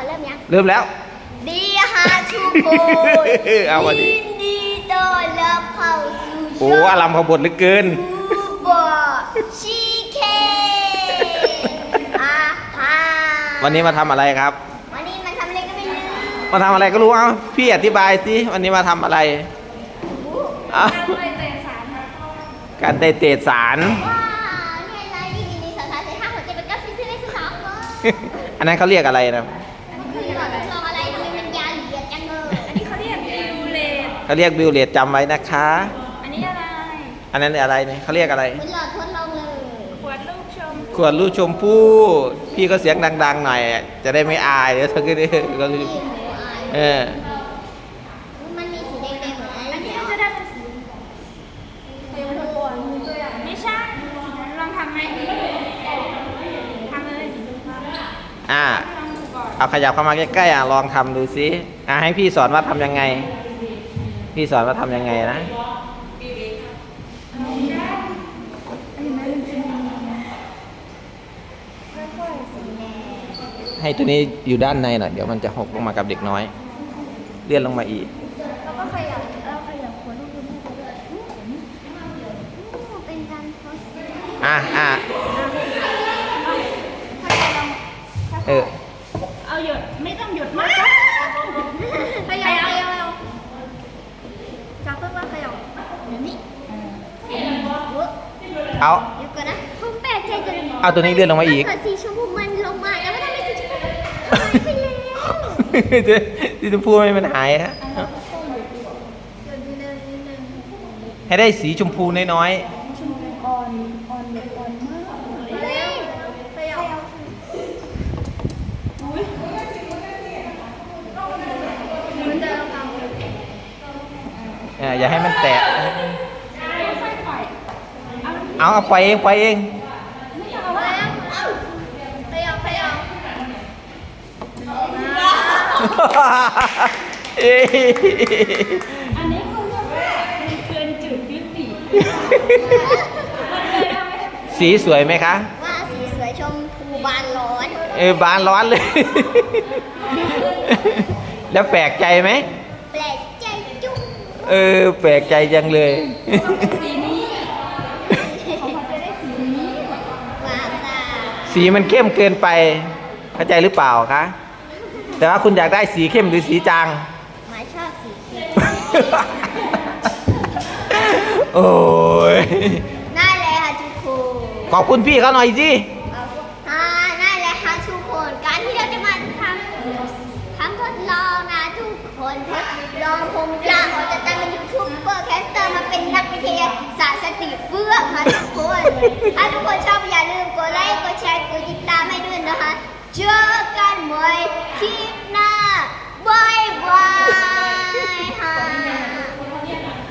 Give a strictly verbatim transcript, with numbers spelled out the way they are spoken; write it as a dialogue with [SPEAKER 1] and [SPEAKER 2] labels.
[SPEAKER 1] เริ่มยัง
[SPEAKER 2] เริ่มแล้ว
[SPEAKER 1] ดีฮะทุกคน
[SPEAKER 2] เอามาดิ
[SPEAKER 1] ยินดีต้อนรับเข้าสู่
[SPEAKER 2] โอ้อารมณ์ขบวนเหลือเกิน
[SPEAKER 1] ซูบอชีเคอาฮา
[SPEAKER 2] วันนี้มาทำอะไรครับ
[SPEAKER 1] วันนี้มันทำอะไรก็ไม่รู้
[SPEAKER 2] มาทำอะไรก็รู้เอ้าพี่อธิบายสิวันนี้มาทำอะไรการเตะเตะสาร
[SPEAKER 1] ว้าวนี่อะไรนี่มีสารเตะห้าหัวใจเป็นก้าวซีซีเลสสอง
[SPEAKER 2] อันนั้นเขาเรียกอะไรนะ
[SPEAKER 1] คือหลอดทดลองอะไรทำไมมันยาวเหยียดจังเลยอันนี้เขาเรียกบิวเลต
[SPEAKER 2] เขาเรียกบิวเลตจำไว้นะคะ
[SPEAKER 1] อันนี้อะไร
[SPEAKER 2] อันนั้นอะไรเนี่ยเขาเรียกอะไร
[SPEAKER 1] เหมือนหลอดทดลองเลยขวดลูกชม
[SPEAKER 2] ขวดลูกชมพู่พี่ก็เสียงดังๆหน่อยจะได้ไม่อายเดี๋ยวเธอก็ได้ก็เออ
[SPEAKER 1] มันมีสีแดงๆเหมือนอะไรเนี่ยจะได้เป็นสีไม่ใช่ลองทำไหมทำเลย
[SPEAKER 2] อ่าเอาขยับเข้ามาใกล้ๆอ่ะลองทำดูซิอ่ะให้พี่สอนว่าทำยังไงพี่สอนว่าทำยังไงนะให้ตัวนี้อยู่ด้านในหน่อยเดี๋ยวมันจะหกลงมากับเด็กน้อยเลื่อนลงมาอีก
[SPEAKER 1] แล้วก็ขยับแล้วขยับหัวลูกดูแม่ด้วยเป็นการโพสต์
[SPEAKER 2] อ่ะอ่ะเออ
[SPEAKER 1] เอาหยดไม่ต้องหยดมากครับขยับขยับจับเพิ่มว่าขยับแบบนี้
[SPEAKER 2] เอา
[SPEAKER 1] เดี๋ยวก่อนนะผมแปลกใจจัง
[SPEAKER 2] เอาตัวนี้เลื่อนลงมาอีก
[SPEAKER 1] สีชมพูมันลงมาแล้วไม่ทำให้สีชมพูหายไป
[SPEAKER 2] แล้วสีชมพูไม่มันหายฮะให้ได้สีชมพูน้อย
[SPEAKER 1] ๆชมพูอ่อนอ่อนแบบอ่อนมากเฮ้ยขยับอุ้ยมันจะเราเอา
[SPEAKER 2] เอออย่าให้มันแตกเอาเอาไปเองไปเอง
[SPEAKER 1] ไม่เอาแล้วขยับขยับอันนี้เขาเรียกว่าเกินจุดยุติ
[SPEAKER 2] สีสวยไหมคะ
[SPEAKER 1] ว่าสีสวยชมพูบานร้อน
[SPEAKER 2] เออบานร้อนเลยแล้วแปลกใจไหม
[SPEAKER 1] แปลกใจจุ๊บ
[SPEAKER 2] เออแปลกใจจังเลย
[SPEAKER 1] สีนี้เขาจะได้สีนี้ว้าว
[SPEAKER 2] สีมันเข้มเกินไปเข้าใจหรือเปล่าคะแต่ว่าคุณอยากได้สีเข้มหรือสีจาง
[SPEAKER 1] หมายชอบสีเข้ม
[SPEAKER 2] โอ้ย
[SPEAKER 1] ได้เลยค่ะทุกคน
[SPEAKER 2] ขอบคุณพี่เขาหน่อยสิ
[SPEAKER 1] อ่าได้เลยค่ะทุกคนการที่เราจะมาทำทำทดลองนะทุกคนทดลองผมจะขอจะตั้งเป็นยูทูบเบอร์แคสเตอร์มาเป็นนักวิทยาศาสตร์สติเฟื่องค่ะทุก